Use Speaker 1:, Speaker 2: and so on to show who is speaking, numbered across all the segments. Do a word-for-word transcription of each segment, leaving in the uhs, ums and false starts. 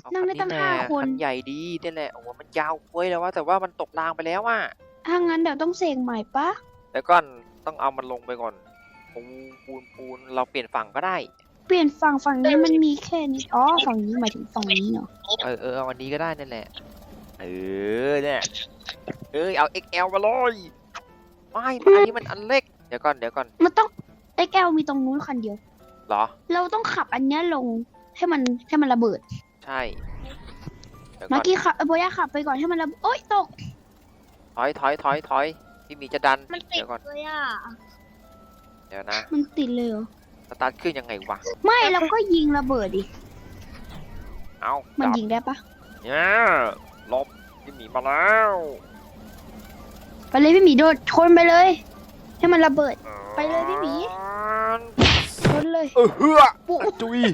Speaker 1: เอา
Speaker 2: นั่
Speaker 1: คั
Speaker 2: ง
Speaker 1: น
Speaker 2: ได้
Speaker 1: นี้
Speaker 2: ตั้ง
Speaker 1: แหละ
Speaker 2: ห้าคน
Speaker 1: คันใหญ่ดีนี่แหละโอ้โหมันยาวเว้ยแล้วว่าแต่ว่ามันตกรางไปแล้วอ่ะ
Speaker 2: ถ้างั้นเดี๋ยวต้องเสกใหม่ปะ
Speaker 1: แล้วก่อนต้องเอามันลงไปก่อนปูนปูนปูนเราเปลี่ยนฝั่งก็ได้
Speaker 2: เปลี่ยนฝั่งฝั่งนี้มันมีแค่นี้อ๋อฝั่งนี้หมายถึงฝั่งนี้เนาะ
Speaker 1: เออเออเอาอันนี้ก็ได้นั่นแหละเออเนี่ยเออเอา เอ็กซ์ แอล มาเลยไม่อันนี้มันอันเล็กเดี๋ยวก่อนเดี๋ยวก่อน
Speaker 2: มันต้อง เอ็กซ์ แอล มีตรงนู้นคันเดียว
Speaker 1: เหรอ
Speaker 2: เราต้องขับอันเนี้ยลงให้มันให้มันระเบิด
Speaker 1: ใช่เดี๋ยวก่
Speaker 2: เมื่
Speaker 1: อ
Speaker 2: อน กี้ขับเอ้ยโบย่าขับไปก่อนให้มันระเบิดโอ๊ยตก
Speaker 1: ถอยถอยถอยถอยพี่หมีจะดัน
Speaker 3: มันติด
Speaker 1: เดี๋ยวก่อน
Speaker 3: เลยอ่ะ
Speaker 1: เดี๋ยวนะ
Speaker 2: มันติดเลยเหรอ
Speaker 1: สตาร์ทเครื่องยังไงวะ
Speaker 2: ไม่เราก็ยิงระเบิดดิ
Speaker 1: เอา
Speaker 2: มัน
Speaker 1: จับ
Speaker 2: ยิงได้ปะ
Speaker 1: เนี่ยหลบพี่หมีมาแล้ว
Speaker 2: ไปเลยพี่หมีโดดชนไปเลย ให้มันระเบิด ไปเลยพี่หมี ชนเลย
Speaker 1: เออเฮือ
Speaker 2: ปุ๊
Speaker 1: จุย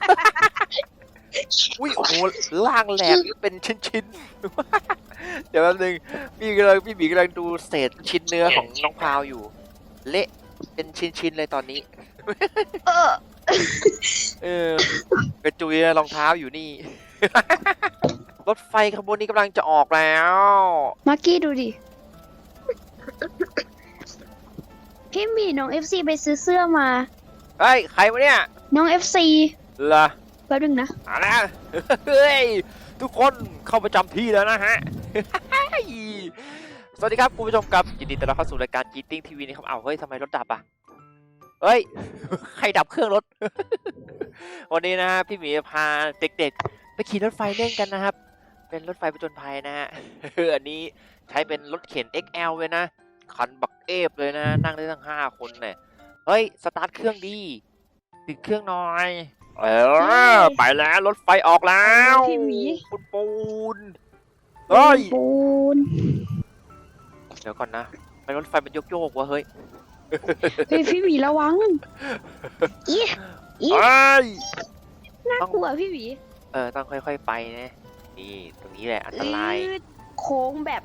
Speaker 1: อุ้ยโอ้โหล่างแหลกเป็นชิ้นๆ เดี๋ยวแป๊บนึงพี่กำลังพี่หมีกำลังดูเศษชิ้นเนื้อของน้องพาวอยู่ เละเป็นชิ้นๆเลยตอนนี้
Speaker 2: เออ
Speaker 1: เออกระจุยรองเท้าอยู่นี่ รถไฟขบวนนี้กำลังจะออกแล้ว
Speaker 2: มาร์กี้ดูดิ พี่หมีน้อง เอฟ ซี ไปซื้อเสื้อมา
Speaker 1: เฮ้ยใครวะเนี่ย
Speaker 2: น้อง เอฟ ซี
Speaker 1: เหรอ
Speaker 2: แป๊บนึงนะ
Speaker 1: เอาละเฮ้ยทุกคนเข้าประจำที่แล้วนะฮะ สวัสดีครับคุณผู้ชมครับยินดีต้อนรับเข้าสู่รายการ Cheating ที วี นะครับเอาเฮ้ยทำไมรถดับอ่ะเฮ้ย ใครดับเครื่องรถ วันนี้นะฮะพี่หมีพาเด็กๆไปขี่รถไฟเล่นกันนะครับ เป็นรถไฟผจญภัยนะฮะ อันนี้ใช้เป็นรถเข็น เอ็กซ์ แอล เลยนะคันบักเอฟเลยนะนั่งได้ทั้งห้าคนเนี่ยเฮ้ยสตาร์ทเครื่องดีติดเครื่องหน่อยเออไปแล้วรถไฟออกแล้ว
Speaker 2: พี่หมี
Speaker 1: ปูนปูนเฮ้ย
Speaker 2: ปูน
Speaker 1: เดี๋ยวก่อนนะไปรถไฟมันโยกโยกๆวะเฮ้ย
Speaker 2: เฮ้ยพี่หมีระวังอีอี
Speaker 1: เฮ้ย
Speaker 2: น่ากลัวพี่หมี
Speaker 1: เออต้องค่อยๆไปนะนี่ตรงนี้แหละอันตราย
Speaker 2: อืดโค้งแบบ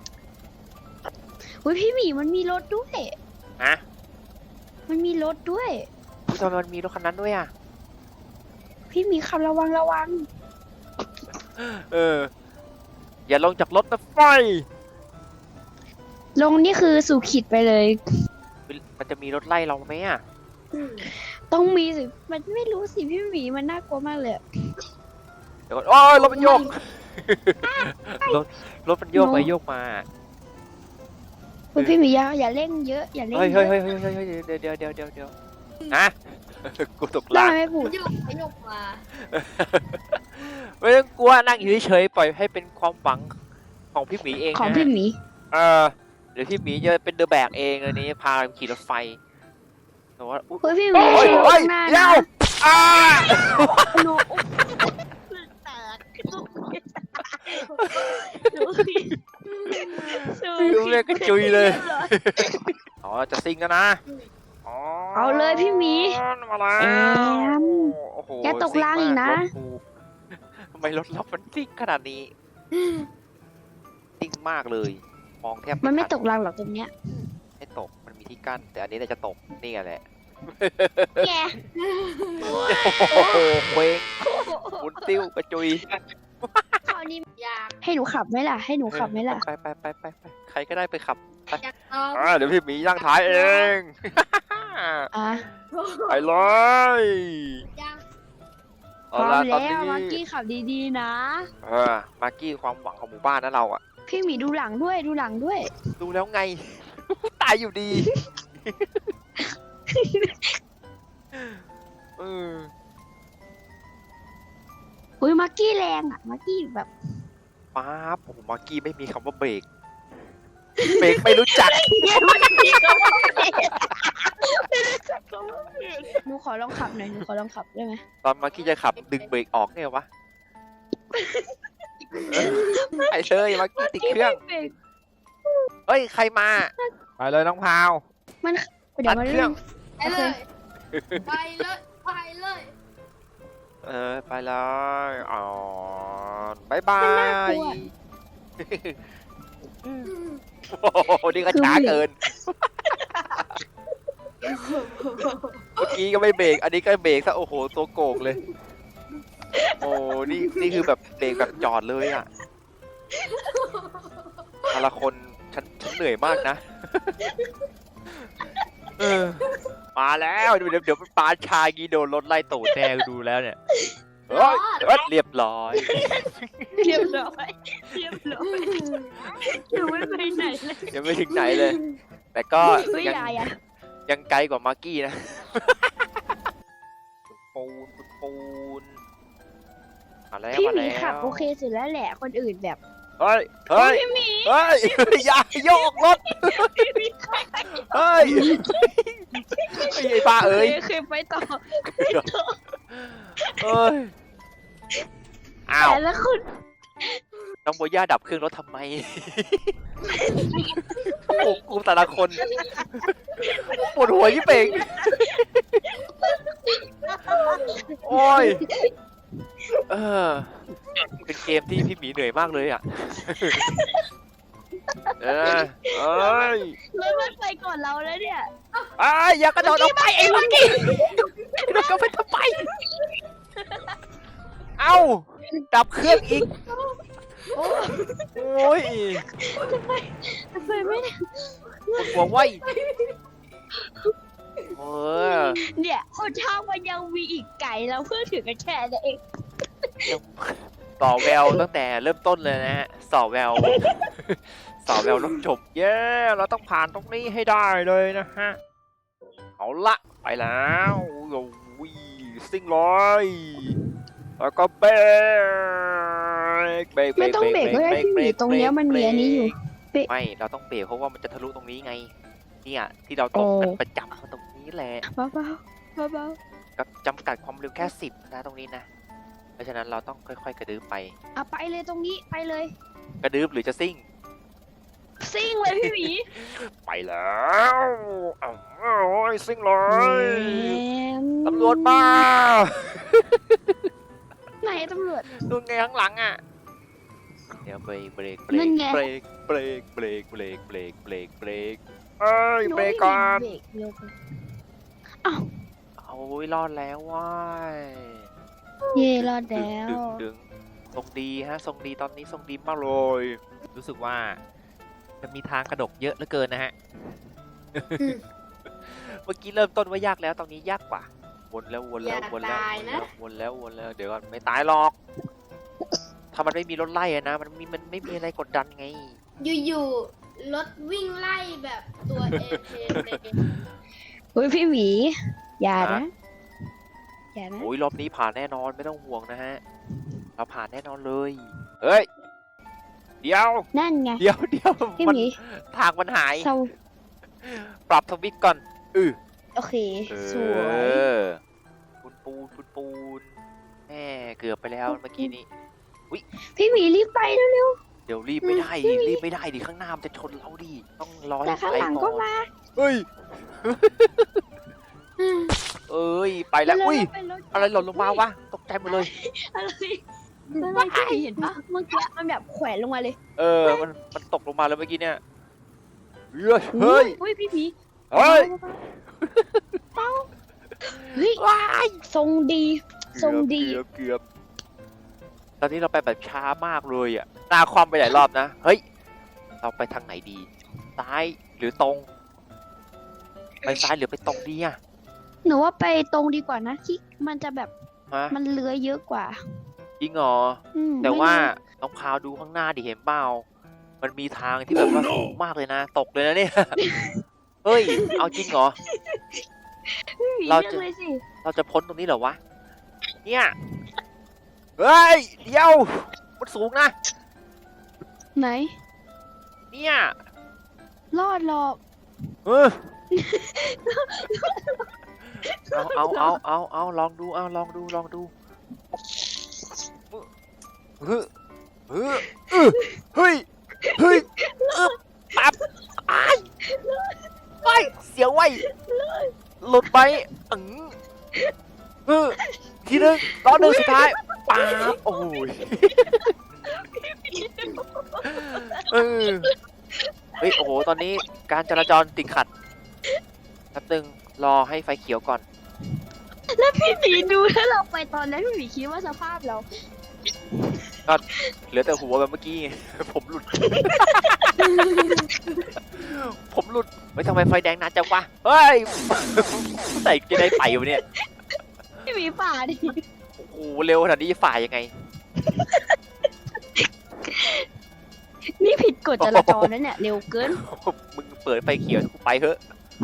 Speaker 2: เฮ้ยพี่หมีมันมีรถด้วย
Speaker 1: ฮะ
Speaker 2: มันมีรถด้วย
Speaker 1: อุ๊ยทำไมมันมีรถคันนั้นด้วยอ่ะ
Speaker 2: พี่หมีขับระวังระวัง
Speaker 1: เอออย่าลงจากรถนะไฟ
Speaker 2: ลงนี่คือสู่ขีดไปเลย
Speaker 1: มันจะมีรถไล่เราไหมอ่ะ
Speaker 2: ต้องมีสิ มันไม่รู้สิพี่หมีมันน่ากลัวมากเลยอะ
Speaker 1: เดี๋ยวก่อนโอ้ยรถมันโยก รถรถมันโยกไปโยกมา
Speaker 2: เฮ้ยพี่หมีอย่าอย่าเร่งเยอะอย่าเร่ง
Speaker 1: เฮ้ย
Speaker 2: เย
Speaker 1: เฮ้ย
Speaker 2: อะ
Speaker 1: เฮ้ยเฮ้ยเฮ้ยเฮ้ยเดี๋ยวเดี๋ยวเดี๋ยวเดี๋ยวเดี๋ยวฮะ กูตก
Speaker 2: ได้
Speaker 1: ลาง
Speaker 2: ไหมปู่
Speaker 3: ยกไปยกมา
Speaker 1: ไม่ต้องกลัวนั่งอยู่เฉยๆปล่อยให้เป็นความหวังของพี่หมีเอง
Speaker 2: ของ
Speaker 1: นะ
Speaker 2: พี่หมี
Speaker 1: เออเดี๋ยวพี่หมีจะเป็นเดอะแบกเองอันนี้พาขี่รถไฟแต่ว่าอุ๊ย
Speaker 2: เฮ้ยพี่หมี
Speaker 1: โอ้ย
Speaker 2: ระ
Speaker 1: โอ้
Speaker 2: วั
Speaker 1: ย
Speaker 2: งหน้า
Speaker 1: เดี๋ย
Speaker 2: นะ
Speaker 1: วอ้า
Speaker 2: โน
Speaker 3: แตก
Speaker 1: ฟิวเรียกกระจุยเลยอ๋อจะซิงกันนะอ๋อ
Speaker 2: เอาเลยพี่หมี
Speaker 1: มาแล้ว
Speaker 2: แอม
Speaker 1: โอ้โห
Speaker 2: อย่าตกรางอีกนะ
Speaker 1: ซิ่งมารถกูทำไมรถเรามันซิ่งขนาดนี้ซิ่งมากเลยมองแทบ
Speaker 2: มันไม่
Speaker 1: ทั
Speaker 2: ตกรางหรอกตรงเนี้ย
Speaker 1: ไม่ตกมันมีที่กั้นแต่อันนี้น่าจะตกนี่ไงแหละ
Speaker 2: แก
Speaker 1: โอ้โหเคว้งหมุนติ้วกระจุย
Speaker 3: คราวนี้อยาก
Speaker 2: ให้หนูขับไหมล่ะ ให้หนูขับไหมล่ะ
Speaker 1: ไปไปไปไปไปใครก็ได้ไปขับ
Speaker 3: อยากลอง
Speaker 1: อ่าเดี๋ยวพี่หมีย่างท้ายเอง
Speaker 2: อ่ะ
Speaker 1: ไปเลย
Speaker 3: อยาก
Speaker 2: พร้อมแล้วมากี้ขับดีๆนะ
Speaker 1: เออมากกี้ความหวังของหมู่บ้านนะเราอะ
Speaker 2: พี่หมีดูหลังด้วยดูหลังด้วย
Speaker 1: ดูแล้วไง ตายอยู่ดีเออ
Speaker 2: อุ้ยมากี้แรงอ่ะมากี้แบบ
Speaker 1: ป๊าบโอ้โหมากกี้ไม่มีคำว่าเบรกเบรกไม่รู้จัก
Speaker 2: หนูขอลองขับหน่อยหนูขอลองขับได้ไหม
Speaker 1: ตอนมากกี้จะขับดึงเบรกออกไงวะไอ้เชยมากกี้ติดเครื่องเฮ้ยใครมาไปเลยน้องพาว
Speaker 2: มันเดี๋ยวมัน
Speaker 1: ตัดเครื่อง
Speaker 3: ไปเลยไปเลยไปเลย
Speaker 1: เออไปเลยอ๋อบายบาย โอ้โหนี่ก็ช้าเกิน เมื่อกี้ก็ไม่เบรก อันนี้ก็เบรกซะโอ้โหตัวโกงเลยโอ้นี่นี่คือแบบเบรกแบบจอดเลยอ่ะแต่ละคนฉันฉันเหนื่อยมากนะเออมาแล้วเดี๋ยวเดี๋ยวเดี๋ยวปาชากีโดนรถไล่ตูดแน่ดูแล้วเนี่ยเฮ้ยเฮ้ยเรียบร้อย
Speaker 2: เรียบร้อยเรียบร้อยอยู่ไม่ไปไหนเลย
Speaker 1: ยังไม่ถึงไหนเลย แต่ก็
Speaker 2: เฮ้ย
Speaker 1: ยัง
Speaker 2: ยายอะ
Speaker 1: ยังไกลกว่ามาร์กี้นะปูนปูนปูนมาแล้ว
Speaker 2: พี่
Speaker 1: มา
Speaker 2: หมี
Speaker 1: แล้ว
Speaker 2: ขับโอเคสุดแล้วแหละคนอื่นแบบ
Speaker 1: เฮ้ยเฮ้ย
Speaker 2: พี่หมี
Speaker 1: เฮ้ยอย่าโยกรถ
Speaker 2: พี่หมีขับ
Speaker 1: เฮ้ยไอ้ป้าเอ้ย
Speaker 2: เคยไปต่อ
Speaker 1: เอ้ยอ้าว
Speaker 2: แต่ละคน
Speaker 1: น้องโบย่าดับเครื่องรถทำไมโอ้โหกูแต่ละคนปวดหัวยิ่งเป่งโอ้ยเออเป็นเกมที่พี่หมีเหนื่อยมากเลยอ่ะเออเอ้ย
Speaker 2: รถมันไปก่อนเราแล้วเนี่ย
Speaker 1: ไอ้ยอย่ากระโดดออกไปไอ้เมื่อกี้กระโดดไปทำไมเอ้าดับเครื่องอีกโอ้ย
Speaker 2: ไปไม่ได้
Speaker 1: ปวดหัวไว้เออ
Speaker 2: เนี่ยคนทางมันยังมีอีกไก่เราเพื่อถึงกันแค่นั้นเอง
Speaker 1: ต่อแววตั้งแต่เริ่มต้นเลยนะฮะสอแววสอแววต้องจบเย้เราต้องผ่านตรงนี้ให้ได้เลยนะฮะเอาละไปแล้วโอ้ยซิ่งเลยแล้วก็เบรกเบรก
Speaker 2: ไม่ต้องเบรกก็ได้พี่หมีตรงเนี้ยมันมีอันนี้อยู่
Speaker 1: ไม่เราต้องเบรกเพราะว่ามันจะทะลุตรงนี้ไงเนี่ยที่เราตกกันประจำตรงนี้แหละ
Speaker 2: เบาๆเบา
Speaker 1: กับจำกัดความเร็วแค่สิบนะตรงนี้นะเพราะฉะนั้นเราต้องค่อยๆกระดืบไป
Speaker 2: ๆเอาไปเลยตรงนี้ไปเลย
Speaker 1: กระดืบหรือจะซิ่ง
Speaker 2: ซิ่งเลยพี่หมี
Speaker 1: ไปแล้วอ้าวโอ้ยซิ่งเลยตำรวจมา
Speaker 2: ไหนตำรวจ
Speaker 1: ดูไงข้างหลังอ่ะเดี๋ยวเบรกเบรกเบร
Speaker 2: นั่
Speaker 1: ก
Speaker 2: นไง
Speaker 1: เบรกเบรกเบรกเบรกเบรกเบรกเบรกเอ้ยเบรกก่อน
Speaker 2: เบรกเร็วไป
Speaker 1: โอ้ยรอดแล้วว้าย
Speaker 2: เย่รอด
Speaker 1: ดึง
Speaker 2: แล้ว
Speaker 1: ดึงดึงทรงดีฮะทรงดีตอนนี้ทรงดีมากเลย รู้สึกว่าจะมีทางกระดกเยอะเหลือเกินนะฮะ เมื่อกี้เริ่มต้นว่ายากแล้วตอนนี้ยากกว่าวนแล้ววนแล้ววนแล้ววนแล้ววนแล้วเดี๋ยวก่อนไม่ตายหรอก ถ้ามันไม่มีรถไล่อะนะมันมีมันไม่มีอะไรกดดันไง
Speaker 3: อยู่ๆรถวิ่งไล่แบบตัวเอเพเลย
Speaker 2: เฮ้ยพี่หมีอย่านะอย่านะ
Speaker 1: โอ้ยรอบนี้ผ่านแน่นอนไม่ต้องห่วงนะฮะเราผ่านแน่นอนเลยเฮ้ยเดี๋ยว
Speaker 2: นั่นไง
Speaker 1: เดี๋ยวเดี๋ยว
Speaker 2: พี่
Speaker 1: มัน
Speaker 2: หมี
Speaker 1: ทางมันหาย
Speaker 2: เศร้า
Speaker 1: ปรับทวิตก่อนอือ
Speaker 2: โอเค
Speaker 1: เอ
Speaker 2: สวย
Speaker 1: อปูนปูนปูนปูนแม่เกือบไปแล้วเมื่อกี้นี้
Speaker 2: พี่หมีรีบไปเร็ว
Speaker 1: เดี๋ยวรีบไม่ได้
Speaker 2: อืม
Speaker 1: รีบไม่ได้ดิข้างหน้ามันจะชนเราดิต้องรอ
Speaker 2: ๆแต่
Speaker 1: ให้
Speaker 2: ข้าง
Speaker 1: ไป
Speaker 2: หลัง
Speaker 1: ก่
Speaker 2: ก็
Speaker 1: อน
Speaker 2: มา
Speaker 1: เฮ้ยเอ้ยไปแล้วอุ้ย
Speaker 2: เป็นรถ
Speaker 1: อะไรหล่นลงมาวะตกใจหมดเลย
Speaker 2: อะไรอะไรพี่หมีเห็นปะเมื่อกี้มันแบบแขวนลงมาเลย
Speaker 1: เออมันมันตกลงมาแล้วเมื่อกี้เนี่ยเฮ้ยเฮ้ย
Speaker 2: อุ้ยพี่หมี
Speaker 1: เฮ้ย
Speaker 2: เต้าเฮ้ย
Speaker 1: ว้าย
Speaker 2: ทรงดีทรงดี
Speaker 1: เกือบเกือบตอนนี้เราไปแบบช้ามากเลยอ่ะหน้าคอมไปหลายรอบนะเฮ้ยเราไปทางไหนดีซ้ายหรือตรง ไปซ้ายหรือไปตรงดีอ่ะ
Speaker 2: หนูว่าไปตรงดีกว่านะที่มันจะแบบ
Speaker 1: ฮะ
Speaker 2: มันเลื้อยเยอะกว่า
Speaker 1: จริงเหรอ
Speaker 2: อืม
Speaker 1: แต่ว่า
Speaker 2: ไม่งั้น
Speaker 1: น้องพาวดูข้างหน้าดิเห็นเปล่ามันมีทางที่แบบว่าสูงมากเลยนะ ตกเลยนะเนี่ย เฮ้ย เอาจริงเหรอ
Speaker 2: พี่หมี
Speaker 1: เรา
Speaker 2: เลือก
Speaker 1: จะ
Speaker 2: เลยสิ
Speaker 1: เราจะพ้นตรงนี้เหรอวะ เนี่ย เฮ้ย เดี๋ยว มันสูงนะ
Speaker 2: ไหน
Speaker 1: เนี่ย
Speaker 2: รอดหรอก
Speaker 1: เออเอาเอาเอาเอาเอาลองดู เอาลองดู ลองดูเฮ้ยเฮ้ยเฮ้ยเฮ้ยอึ๊บปั๊บอ้ายไอ้เสียวไว้หลุดไปอึ๋งเออทีนึงรอบหนึ่งสุดท้ายป๊าบโอ้ยเออเฮ้ยโอ้โหตอนนี้การจราจรติดขัดแป๊บนึงรอให้ไฟเขียวก่อน
Speaker 2: แล้วพี่หมีดูถ้าเราไปตอนนั้นพี่หมีคิดว่าสภาพเรา
Speaker 1: เหลือแต่หัวแบบเมื่อกี้ไง ผมหลุด ผมหลุดเฮ้ยทำไมไฟแดงนานจังวะเฮ้ย ใส่จะได้ไปวะเนี่ย
Speaker 2: พี่หมีฝ่าดิ
Speaker 1: โอ้โหเร็วขนาดนี้ฝ่ายยังไง
Speaker 2: นี่ผิดกฎจราจรนะเนี่ยเร็วเกิน
Speaker 1: มึงเปิดไฟเขียวกูไปเถอะ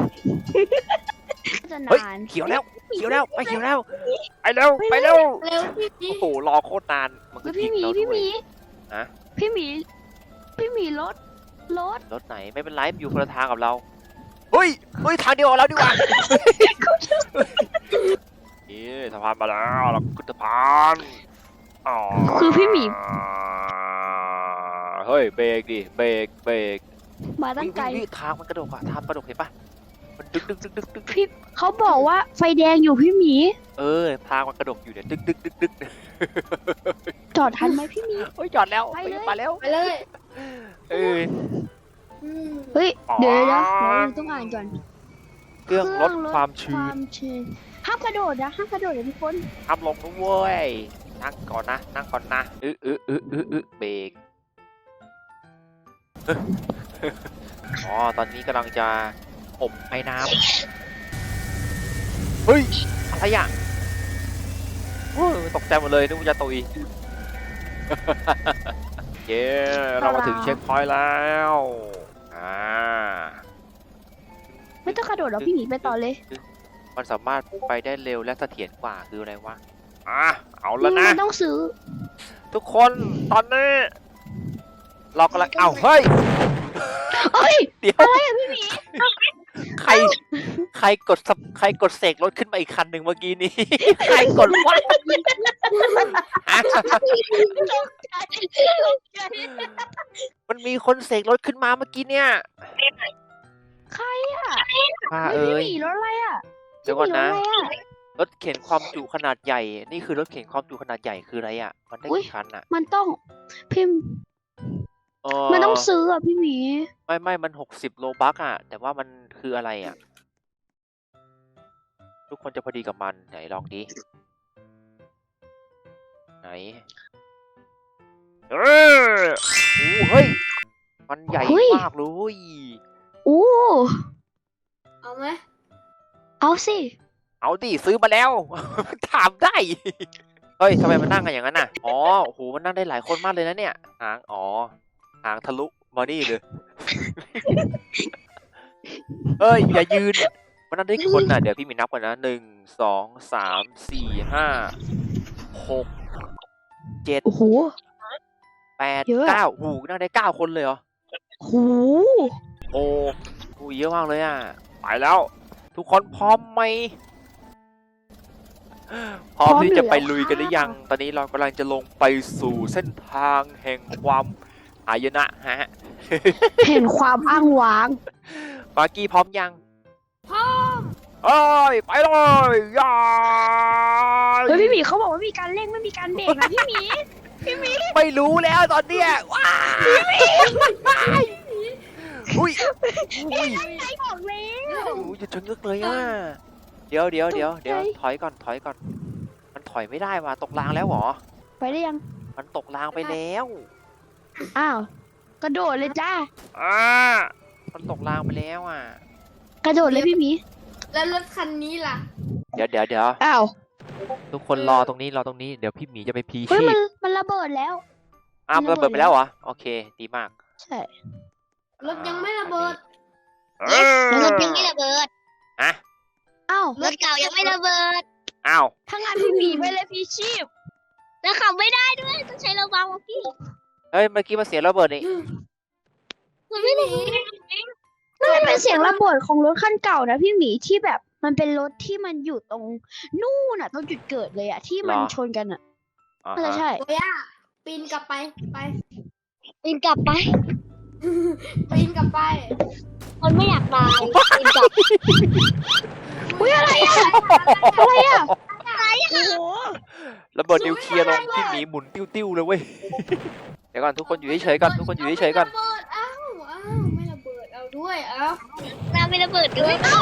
Speaker 2: จะ
Speaker 1: เฮ้ย
Speaker 2: นาน
Speaker 1: เขียวแล้วเขียวแล้วไปเขียวแล้วไปเร็วไปเร็ว
Speaker 3: เร็วพี่พี่
Speaker 1: โอ้โหรอโคตรนานมันก็
Speaker 2: เฮ้ย
Speaker 1: ทิ้
Speaker 2: พี่
Speaker 1: ง
Speaker 2: หมี
Speaker 1: เราด้
Speaker 2: พี่ห
Speaker 1: วย
Speaker 2: มี
Speaker 1: ฮะ
Speaker 2: พี่หมีพี่หมีรถรถ
Speaker 1: รถไหนไม่เป็นไรมันอยู่คนละทางกับเราเฮ้ยเฮ้ยทางเดียวกับเราดีกว่านี่สะพานมาแล้วเราขึ้นสะพานอ๋อ
Speaker 2: คือพี่หมี
Speaker 1: เฮ้ยเบรกดิเบรกเบรก
Speaker 2: มาตั้งไกล
Speaker 1: นี่ทางมันกระโดดอะทางกระโดดเห็นปะมันดึกดึกดึกดึกดึก
Speaker 2: พี่เขาบอกว่าไฟแดงอยู่พี่หมี
Speaker 1: เออทางมันกระโดดอยู่เนี่ยดึกดึกดึกดึก
Speaker 2: จอดทันไหมพี่หมี
Speaker 1: โอ้ยจอดแล้ว
Speaker 2: ไปเลย
Speaker 1: มาแล้ว
Speaker 3: ไปเลย
Speaker 1: เออ
Speaker 3: อืม
Speaker 2: เฮ้ย
Speaker 1: อ๋อ
Speaker 2: เดี๋ยวเดี๋ยวเดี๋ยวเราต้องอ่านก่อน
Speaker 1: เครื่องลดความชื้
Speaker 2: คน วามชื้นห้ามกระโดดนะห้ามกระโดดเลยทุกคน
Speaker 1: ทำลงนะเว้ยนั่งก่อนนะนั่งก่อนนะอึอึอึอึอึเบรก อ๋อตอนนี้กำลังจะอบไอ้น้ำเฮ้ยอะไรอ่ะโอ้ยตกใจหมดเลยนึกว่าจะตุย เย้เรามาถึงเช็คพอยต์แล้วอ่า
Speaker 2: ไม่ต้องกระโดดหรอกพี่หมีไปต่อเลย
Speaker 1: มันสามารถไปได้เร็วและเสถียรกว่าคืออะไรวะอ่ะเอาแล้วนะ
Speaker 2: ไม่ต้องซื้อ
Speaker 1: ทุกคนตอนนี้ เรากำลังเอ้าเฮ้ย
Speaker 2: เฮ้ย
Speaker 1: เดี๋ยว
Speaker 2: อะไรอะพี่หมี
Speaker 1: ใคร ใครกดสับใครกดเสกรถขึ้นมาอีกคันหนึ่งเมื่อกี้นี้ ใครกดวะฮะ
Speaker 2: ตกใจตกใจ
Speaker 1: มันมีคนเสกรถขึ้นมาเมื่อกี้เนี่ย
Speaker 2: ใครอะ
Speaker 1: ป้า
Speaker 2: เฮ้ย
Speaker 1: เอ้
Speaker 2: พี่ห
Speaker 1: ย
Speaker 2: มีรถอะไรอะ
Speaker 1: เดี๋ยวก่อนนะ
Speaker 2: พี่หมีรถอะไรอะ
Speaker 1: รถเข็นความจุขนาดใหญ่ นี่คือรถเข็นความจุขนาดใหญ่คืออะไรอ่ะ มันได้
Speaker 2: อุ๊ย
Speaker 1: กี่คันอ่ะ
Speaker 2: มันต้องพิมพ์
Speaker 1: เออ
Speaker 2: มันต้องซื้ออะพี่หมี
Speaker 1: ไม่ไม่มันหกสิบโลบัคอ่ะ แต่ว่ามันคืออะไรอ่ะ ทุกคนจะพอดีกับมันไหนลองดิ ไหน เออโอ้เฮ้ย มันใหญ่มากเลย
Speaker 2: อู้
Speaker 3: เอาไหม
Speaker 2: เอาสิ
Speaker 1: เอาดิซื้อมาแล้ว ถามได้ เฮ้ยทำไมมันนั่งกันอย่างนั้นน่ะ อ๋อโอ้โหมันนั่งได้หลายคนมากเลยนะเนี่ย หาง อ๋อ หางทะลุมานี่เลย เฮ้ย อย่ายืน มันนั่งได้กี่คนน่ะ เดี๋ยวพี่มีนับก่อนนะหนึ่ง สอง สาม สี่ ห้า หก เจ็ด
Speaker 2: โอ้โห
Speaker 1: แปด
Speaker 2: เยอะ
Speaker 1: เก้าหูนั่งได้เก้าคนเลยเหรอ
Speaker 2: โห
Speaker 1: โอ้โหเยอะมากเลยอ่ะ ไปแล้ว ทุกคนพร้อมไหม พร้อมที่จะไปลุยกันหรือยัง ตอนนี้เรากำลังจะลงไปสู่เส้นทางแห่งความหายนะฮะ
Speaker 2: เห็นความอ้างว้าง
Speaker 1: ปากี้พร้อมยัง
Speaker 3: พร้อม
Speaker 1: เอ้ย ไปเลยยา
Speaker 2: เฮ้ยพี่หมีเขาบอกว่ามีการเร่งไม่มีการเบรกนะพี่หมี พี่หมี
Speaker 1: ไม่รู้แล้วตอนเนี้ยว้าอุ้ยอุ้ย
Speaker 2: ใจบอกแล้ว
Speaker 1: อุ้ยจะชะงึกเลยอ่ะ เดี๋ยวเดี๋ยวเดี๋ยวเดี๋ยว
Speaker 2: ตกใจ
Speaker 1: ถอยก่อนถอยก่อน มันถอยไม่ได้ว่ะตกรางแล้วเหรอ
Speaker 2: ไปได้ยัง
Speaker 1: มันตกรางไปแล้ว
Speaker 2: อ้าว กระโดดเลยจ้า
Speaker 1: อ่ามันตกรางไปแล้วอ่ะ
Speaker 2: กระโดดเลยพี่หมี
Speaker 3: แล้วรถคันนี้ล่ะ
Speaker 1: เดี๋ยวเดี๋ยวเดี๋ยว
Speaker 2: อ้าว
Speaker 1: ทุกคนรอตรงนี้รอตรงนี้เดี๋ยวพี่หมีจะไปพี
Speaker 2: เฮ้ย
Speaker 1: ชี
Speaker 2: มัน
Speaker 1: พ
Speaker 2: มันระเบิดแล้ว
Speaker 1: อ้าว
Speaker 2: มั
Speaker 1: มัน
Speaker 2: น
Speaker 1: ระ
Speaker 2: ระเบิ
Speaker 1: เบิด
Speaker 2: ด
Speaker 1: ไปแล้วเหรอโอเค ดีมาก
Speaker 2: ใช่
Speaker 3: รถยังไม่ระเบิด
Speaker 1: เออ
Speaker 4: รถยังไม่ระเบิด
Speaker 1: อะ
Speaker 2: อ้าว
Speaker 4: รถเก่ายังไม่ระเบิด
Speaker 1: อ้าว
Speaker 2: ถ้างานพี่หมีไปเลยพี่ชีพ
Speaker 4: แล้วขับไม่ได้ด้วย ต้องใช้ระวังว่ะพี่
Speaker 1: เฮ้ยเมื่อกี้มันเสียงระเบิดนี่
Speaker 4: มันไม่ระเบิด
Speaker 2: นั่นมันเป็นเสียงระเบิดของรถคันเก่านะพี่หมีที่แบบมันเป็นรถที่มันอยู่ตรงนู่นน่ะตรงจุดเกิดเลยอะที่มันชนกันอะ
Speaker 1: อ่า
Speaker 2: น่าจะ
Speaker 1: ฮะ
Speaker 2: ใช่
Speaker 3: โอ้ย่าปีนกลับไป ไป
Speaker 4: ปีนกลับไป
Speaker 3: ปีนกลับไป
Speaker 4: คนไม่อยากตายปีนกลับ
Speaker 2: อุ้ยอะไรอะอะไรอะโอ้โห
Speaker 1: ระเบิดนิวเคลียร์ลงพี่หมีหมุนติ้วๆเลยเว้ย เดี๋ยวก่อนทุกคนอยู่เฉยๆก่อนทุกคนอยู่เฉยๆก่อน
Speaker 3: ระเบิดอ้าวอ้าวไม่ระเบิดเอาดด้วยเอ้า
Speaker 4: น้ำไม่ระเบิดด้วยเอ้า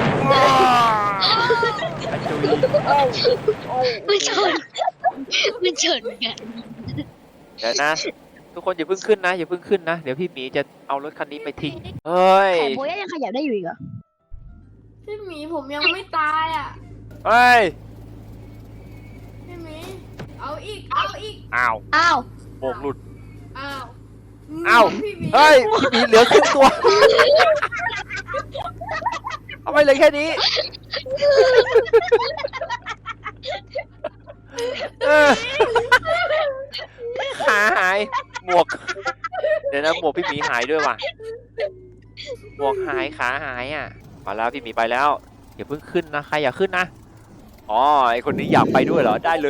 Speaker 1: กระจุย
Speaker 4: ไม่ชนไม่ชนกัน
Speaker 1: เดี๋ยวนะ ทุกคนอย่าเพิ่งขึ้นนะอย่าเพิ่งขึ้นนะเดี๋ยวพี่หมีจะเอารถคันนี้ไปทิ้งเฮ้ย
Speaker 2: แต่โบย่ายังขยับได้อยู่อีกเหรอ
Speaker 3: พี่หมีผมยังไม่ตายอ่ะ
Speaker 1: เฮ้ย
Speaker 3: พี่หมีเอาอีกเอาอีก
Speaker 1: อ้าว
Speaker 2: อ้าว
Speaker 1: โบกหลุด
Speaker 3: อ้าว
Speaker 1: อ้าว
Speaker 3: พี่หมี
Speaker 1: เฮ้ยพี่หมีเหลือครึ่งตัวเอาไปเลยแค่นี้เออขาหายหมวกเดี๋ยวนะหมวกพี่หมีหายด้วยว่ะหมวกหายขาหายอ่ะมาแล้วพี่หมีไปแล้วอย่าเพิ่งขึ้นนะใครอย่าขึ้นนะอ๋อไอคนนี้อยากไปด้วยเหรอได้เลย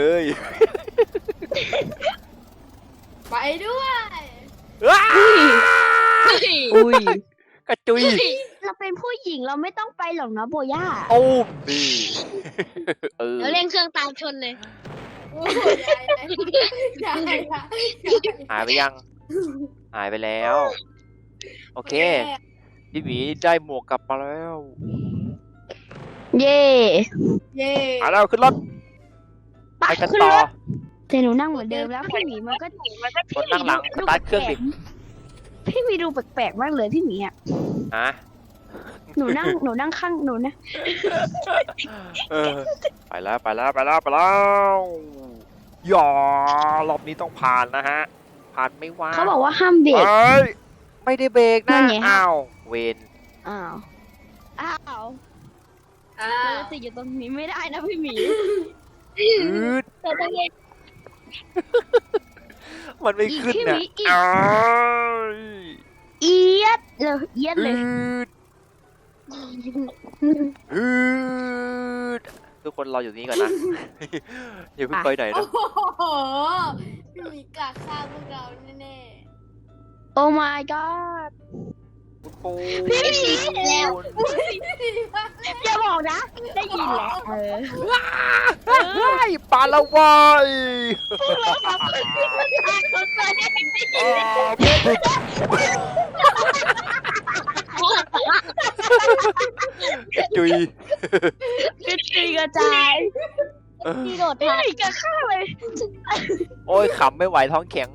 Speaker 3: ไปด้วย
Speaker 1: ว้า
Speaker 2: อุ้ย
Speaker 1: กระจุย
Speaker 2: เราเป็นผู้หญิงเราไม่ต้องไปหรอกนะโบย่า
Speaker 1: โอ้มนี่เออ
Speaker 4: แล้วเร่งเครื่องตามชนเลย
Speaker 3: โอ้ยยายยายยาย
Speaker 1: หายไปยัง หายไปแล้ว โอเค พี่หมีได้หมวกกลับมาแล้ว
Speaker 2: เย่
Speaker 3: เย่
Speaker 1: มาแล้วขึ้นรถ
Speaker 2: ไป
Speaker 1: ไปกัน
Speaker 2: ขึ้น
Speaker 1: ต่อ
Speaker 2: รถแต่หนูนั่งเหมือนเดิมแล้วพี่หมีมันก็
Speaker 1: คนนั่งหลังสตาร์ทเครื่องดิ
Speaker 2: พี่หมีดูแปลกๆมากเลยพี่หมีอ่ะ
Speaker 1: ฮะ
Speaker 2: หนูนั่งหนูนั่งข้างหนูนะ
Speaker 1: เออไปแล้วไปแล้วไปแล้วไปแล้วอย่ารอบนี้ต้องผ่านนะฮะ ผ่านไม่ว่า
Speaker 2: เขาบอกว่าห้ามเบรก
Speaker 1: เอ้ยไม่ได้เบรก
Speaker 2: นั่
Speaker 1: นะ
Speaker 2: นไงฮะ
Speaker 1: อ้าวเวน
Speaker 2: อ้าว อ้าว
Speaker 3: อ้า
Speaker 2: เรา
Speaker 3: ว
Speaker 2: จะติดอยู่ตรงนี้ไม่ได้นะพี่หมี
Speaker 1: อืด
Speaker 4: แต่ต้องเร่ง
Speaker 1: มันไม่ขึ้น
Speaker 2: พี่ห
Speaker 1: นะ
Speaker 2: มีอีก
Speaker 1: อ้าว
Speaker 2: เอียดเลยเอียดเลย
Speaker 1: อืดอืดทุกคนรออยู่นี้ก่อนนะ อย่าเพิ่งไปไหน
Speaker 3: โอ้
Speaker 1: นะ
Speaker 3: โหพี่หมีกะฆ่าพวกเราแน่
Speaker 2: โอ้ my god
Speaker 1: คุณปู
Speaker 2: พี่หมีแล้ว
Speaker 3: ๆ
Speaker 2: อย่าบอกนะ ได้ยินแล้วเออ
Speaker 1: เฮ้ยปลาละวายจุย
Speaker 2: กระจุยกระจาย
Speaker 4: ที่โดด
Speaker 2: พี่
Speaker 4: ทา
Speaker 2: หมีกระข้าเลย
Speaker 1: โอ้ยขำไม่ไหวท้องแข็ง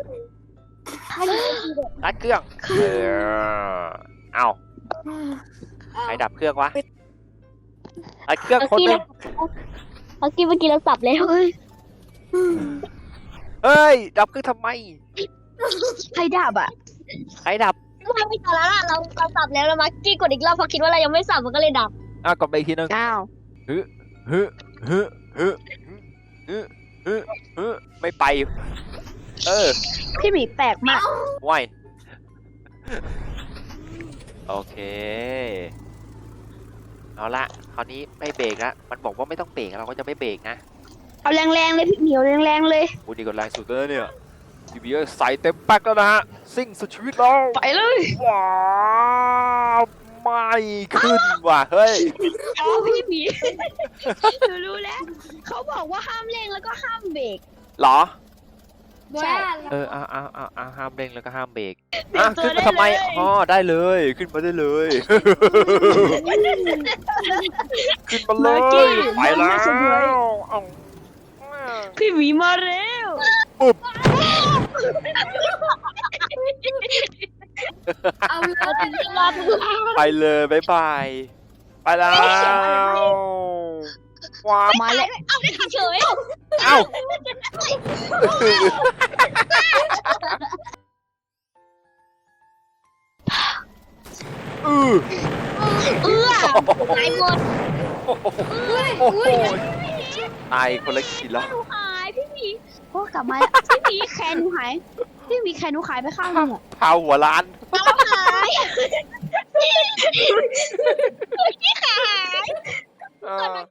Speaker 1: ตัดเครื่องเออเอาใครดับเครื่องวะตัดเครื่องคนหนึง
Speaker 4: เมื่อกี้เมื่อกี้เราสับแล้ว
Speaker 2: เฮ้ย
Speaker 1: เฮ้ยดับเครื่องทำไม
Speaker 2: ใครดับอ่ะ
Speaker 1: ใครดับ
Speaker 4: ไม่ไม่ต่อแล้วล่ะเราเราสับแล้วแล้วเมื่อกี้กดอีกรอบเพราะคิดว่าเรายังไม่สับมันก็เลยดับ
Speaker 1: อ่ะกดไปอีกทีนึง
Speaker 2: อ้าว
Speaker 1: ฮึฮึฮึฮึฮึฮึฮึไม่ไป เออ
Speaker 2: พี่หมีแปลกมาก
Speaker 1: ว่ายโอเค เอาละคราวนี้ไม่เบรกละมันบอกว่าไม่ต้องเบรกเราก็จะไม่เบรกนะ
Speaker 2: เอาแรงๆเลยพี่หมีเอาแรงๆเลย
Speaker 1: โอ้ดีกว่าแรงสุดเลยเนี่ยทีวีใส่เต็มแป๊กแล้วนะฮะ ซิ่งสุดชีวิตแล้ว
Speaker 2: ไปเลย
Speaker 1: ว้าวไม่ขึ้นว่ะ เฮ้ย
Speaker 2: อ๋อพี่หมี หนูรู้แล้ว เขาบอกว่าห้ามเร่งแล้วก็ห้ามเบรก
Speaker 1: เหรอ
Speaker 3: โบย่า
Speaker 1: เอออ่าอ่าอ่าอ่าห้ามเร่งแล้วก็ห้ามเบรก
Speaker 2: เปลี่ย
Speaker 1: อ่ะ
Speaker 2: นตัว
Speaker 1: ขึ้นมา
Speaker 2: ได้
Speaker 1: ทำไม
Speaker 2: เลย
Speaker 1: อ๋อได้เลย ขึ้นมาได้เลย ขึ้นมาเลย ไปแล้วเอา
Speaker 2: พี่หมีมาเร็ว
Speaker 1: ปุ๊บ
Speaker 3: เอาเลย
Speaker 4: รอบ
Speaker 1: ไปเลยบ๊ายบาย ไปแล้วว้าว
Speaker 2: มาแล้ว
Speaker 4: เอาได้ขับเฉย
Speaker 1: เอ้าอือ
Speaker 4: เอื้อหายหมด
Speaker 3: อุ้ย
Speaker 1: โอ้โห
Speaker 3: อุ้ย
Speaker 1: ตายคนละกี่รอบ
Speaker 2: หนูหายพี่หมีโอ้กลับมาแล้วพี่หมีแขนหนูหายพี่หมีแขนหนูหายไปข้างหนึงอะ
Speaker 1: พาหัวล้าน
Speaker 4: หาย
Speaker 1: เออ